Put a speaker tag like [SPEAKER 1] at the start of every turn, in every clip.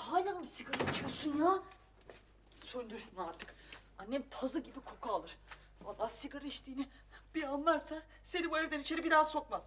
[SPEAKER 1] hala mı sigara içiyorsun ya? Söndür şunu artık. Annem tazı gibi koku alır. Vallahi sigara içtiğini bir anlarsa seni bu evden içeri bir daha sokmaz.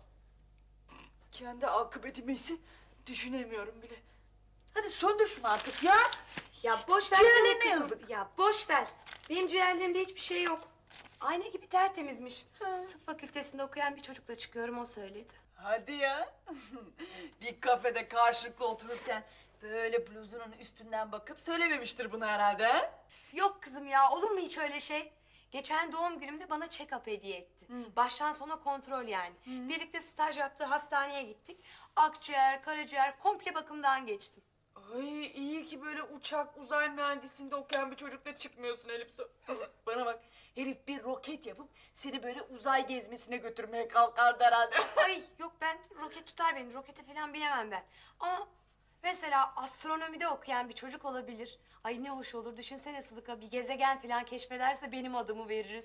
[SPEAKER 1] Kendi akıbetimi ise düşünemiyorum bile. Hadi söndür şunu artık ya.
[SPEAKER 2] Ya boş ver.
[SPEAKER 1] Ciğerlerine
[SPEAKER 2] sana kızım.
[SPEAKER 1] yazık.
[SPEAKER 2] Ya boş ver. Benim ciğerlerimde hiçbir şey yok. Ayna gibi tertemizmiş. Tıp fakültesinde okuyan bir çocukla çıkıyorum, o söyledi.
[SPEAKER 1] Hadi ya. Bir kafede karşılıklı otururken böyle bluzunun üstünden bakıp söylememiştir bunu herhalde ha?
[SPEAKER 2] Üf, yok kızım ya, olur mu hiç öyle şey? Geçen doğum günümde bana check-up hediye etti. Baştan sona kontrol yani. Birlikte staj yaptığı hastaneye gittik. Akciğer, karaciğer komple bakımdan geçtim.
[SPEAKER 1] Ay iyi ki böyle uçak uzay mühendisliğinde okuyan bir çocukla çıkmıyorsun Elif Su. Bana bak, herif bir roket yapıp seni böyle uzay gezmesine götürmeye kalkardı herhalde.
[SPEAKER 2] Ay yok, ben roket tutar beni. Rokete falan binemem ben. Ama mesela astronomide okuyan bir çocuk olabilir. Ay ne hoş olur. Düşünsene Sıdıka, bir gezegen falan keşfederse benim adımı veririz.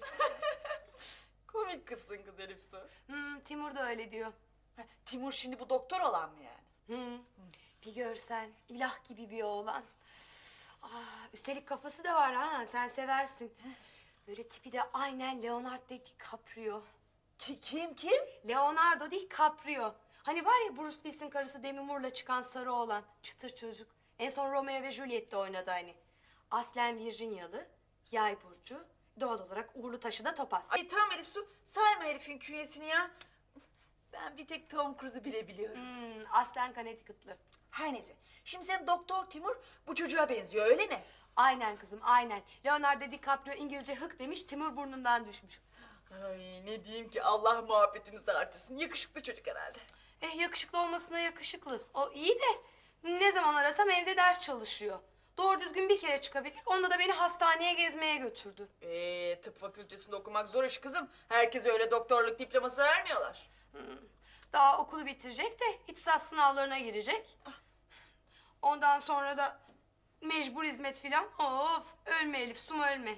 [SPEAKER 1] Komik kızsın kız Elif Su.
[SPEAKER 2] Timur da öyle diyor.
[SPEAKER 1] Ha, Timur şimdi bu doktor olan mı yani?
[SPEAKER 2] Bir görsen, ilah gibi bir oğlan. Üstelik kafası da var ha, sen seversin. Böyle tipi de aynen Leonardo DiCaprio.
[SPEAKER 1] Kim?
[SPEAKER 2] Leonardo DiCaprio. Hani var ya Bruce Willis'in karısı Demi Moore'la çıkan sarı oğlan, çıtır çocuk. En son Romeo ve Juliet'te oynadı hani. Aslen Virginyalı, yay burcu, doğal olarak uğurlu taşı da topaz.
[SPEAKER 1] Ay tamam Elif Su, sayma herifin künyesini ya. Ben bir tek Tom Cruise'u bile biliyorum.
[SPEAKER 2] Aslen Connecticut'lı.
[SPEAKER 1] Her neyse, şimdi sen Doktor Timur bu çocuğa benziyor öyle mi?
[SPEAKER 2] Aynen kızım, aynen. Leonardo DiCaprio İngilizce hık demiş, Timur burnundan düşmüş.
[SPEAKER 1] Ay ne diyeyim ki, Allah muhabbetinizi artırsın. Yakışıklı çocuk herhalde.
[SPEAKER 2] Yakışıklı olmasına yakışıklı. O iyi de ne zaman arasam evde ders çalışıyor. Doğru düzgün bir kere çıkabildik. Onda da beni hastaneye gezmeye götürdü.
[SPEAKER 1] Tıp fakültesinde okumak zor iş kızım. Herkese öyle doktorluk diploması vermiyorlar.
[SPEAKER 2] Daha okulu bitirecek de ihtisas sınavlarına girecek. Ondan sonra da mecbur hizmet filan. Of, ölme Elif, suma ölme.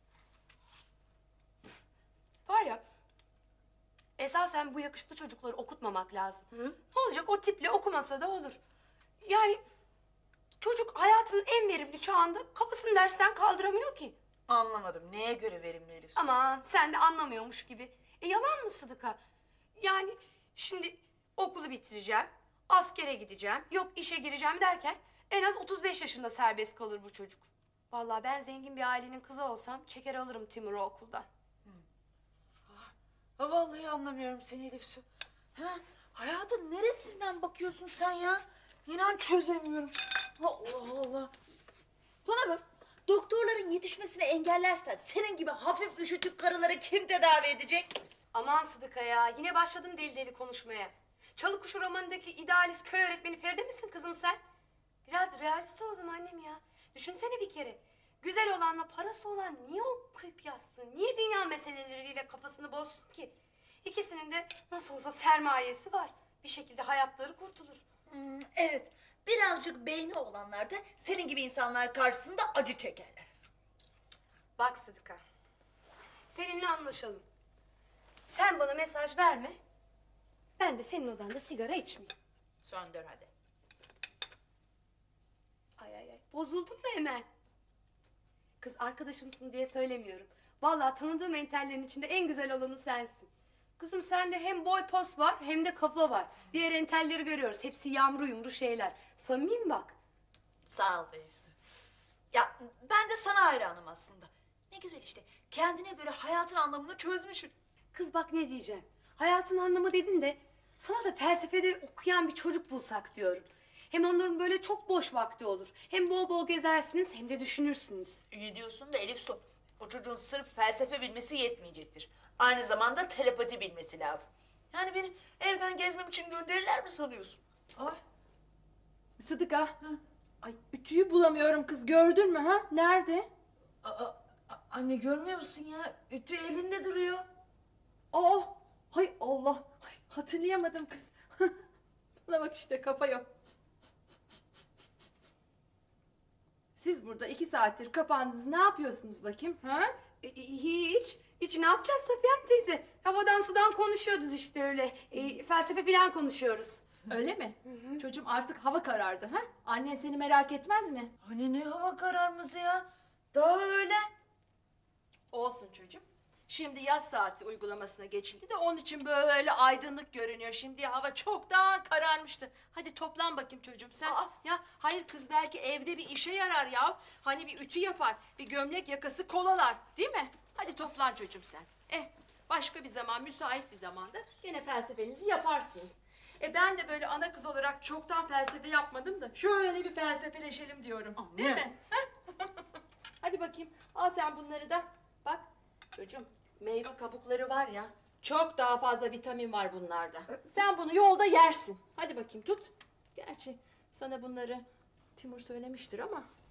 [SPEAKER 2] Var ya, esasen bu yakışıklı çocukları okutmamak lazım. Ne olacak, o tiple okumasa da olur. Yani çocuk hayatının en verimli çağında kafasını dersten kaldıramıyor ki.
[SPEAKER 1] Anlamadım. Neye göre verimli Elif?
[SPEAKER 2] Aman sen de anlamıyormuş gibi. Yalan mı Sıdıka? Yani şimdi okulu bitireceğim, askere gideceğim, yok işe gireceğim derken en az 35 yaşında serbest kalır bu çocuk. Vallahi ben zengin bir ailenin kızı olsam çeker alırım Timur'u okuldan.
[SPEAKER 1] Ha, vallahi anlamıyorum seni Elif Su. Ha, hayatın neresinden bakıyorsun sen ya? İnan çözemiyorum. Allah Allah. Bana bak, doktorların yetişmesini engellersen senin gibi hafif üşütük karıları kim tedavi edecek?
[SPEAKER 2] Aman Sıdıka ya, yine başladın deli deli konuşmaya. Çalıkuşu romanındaki idealist köy öğretmeni Feride misin kızım sen? Biraz realist olalım annem ya. Düşünsene bir kere. Güzel olanla parası olan niye okuyup yazsın? Niye dünya meseleleriyle kafasını bozsun ki? İkisinin de nasıl olsa sermayesi var. Bir şekilde hayatları kurtulur.
[SPEAKER 1] Evet, birazcık beyni olanlar da senin gibi insanlar karşısında acı çekerler.
[SPEAKER 2] Bak Sıdıka, seninle anlaşalım. Sen bana mesaj verme. Ben de senin odanda sigara içmeyeyim.
[SPEAKER 1] Söndür hadi.
[SPEAKER 2] Ay, bozuldun mu hemen? Kız arkadaşımsın diye söylemiyorum. Vallahi tanıdığım entellerin içinde en güzel olanı sensin. Kızım sende hem boy pos var hem de kafa var. Diğer entelleri görüyoruz. Hepsi yamru yumru şeyler. Samimiyim bak.
[SPEAKER 1] Sağ ol Feyzi. Ya ben de sana hayranım aslında. Ne güzel işte, kendine göre hayatın anlamını çözmüşsün.
[SPEAKER 2] Kız bak ne diyeceğim. Hayatın anlamı dedin de sana da felsefede okuyan bir çocuk bulsak diyorum. Hem onların böyle çok boş vakti olur. Hem bol bol gezersiniz hem de düşünürsünüz.
[SPEAKER 1] İyi diyorsun da Elif Su, o çocuğun sırf felsefe bilmesi yetmeyecektir. Aynı zamanda telepati bilmesi lazım. Yani beni evden gezmem için gönderirler mi sanıyorsun?
[SPEAKER 3] Ay. Sıdıka. Ay ütüyü bulamıyorum kız, gördün mü ha? Nerede?
[SPEAKER 1] Anne görmüyor musun ya? Ütü elinde duruyor.
[SPEAKER 3] Aa, hay Allah. Ay, hatırlayamadım kız. Buna bak işte, kafa yok. Siz burada 2 saattir kapandınız. Ne yapıyorsunuz bakayım? Ha?
[SPEAKER 2] Hiç ne yapacağız Safiye teyze? Havadan sudan konuşuyoruz işte öyle. Felsefe falan konuşuyoruz.
[SPEAKER 3] Öyle mi? Çocuğum artık hava karardı ha? Annen seni merak etmez mi?
[SPEAKER 1] Hani ne hava kararması ya? Daha öğlen.
[SPEAKER 3] Olsun çocuğum. Şimdi yaz saati uygulamasına geçildi de onun için böyle aydınlık görünüyor. Şimdi hava çoktan kararmıştı. Hadi toplan bakayım çocuğum sen. Ya hayır kız belki evde bir işe yarar ya. Hani bir ütü yapar, bir gömlek yakası kolalar, değil mi? Hadi toplan çocuğum sen. Başka bir zaman, müsait bir zamanda yine felsefenizi yaparsınız. Ben de böyle ana kız olarak çoktan felsefe yapmadım da şöyle bir felsefeleşelim diyorum. Değil
[SPEAKER 1] Anne.
[SPEAKER 3] mi? Hadi bakayım al sen bunları da. Bak çocuğum meyve kabukları var ya çok daha fazla vitamin var bunlarda. Sen bunu yolda yersin. Hadi bakayım tut. Gerçi sana bunları Timur söylemiştir ama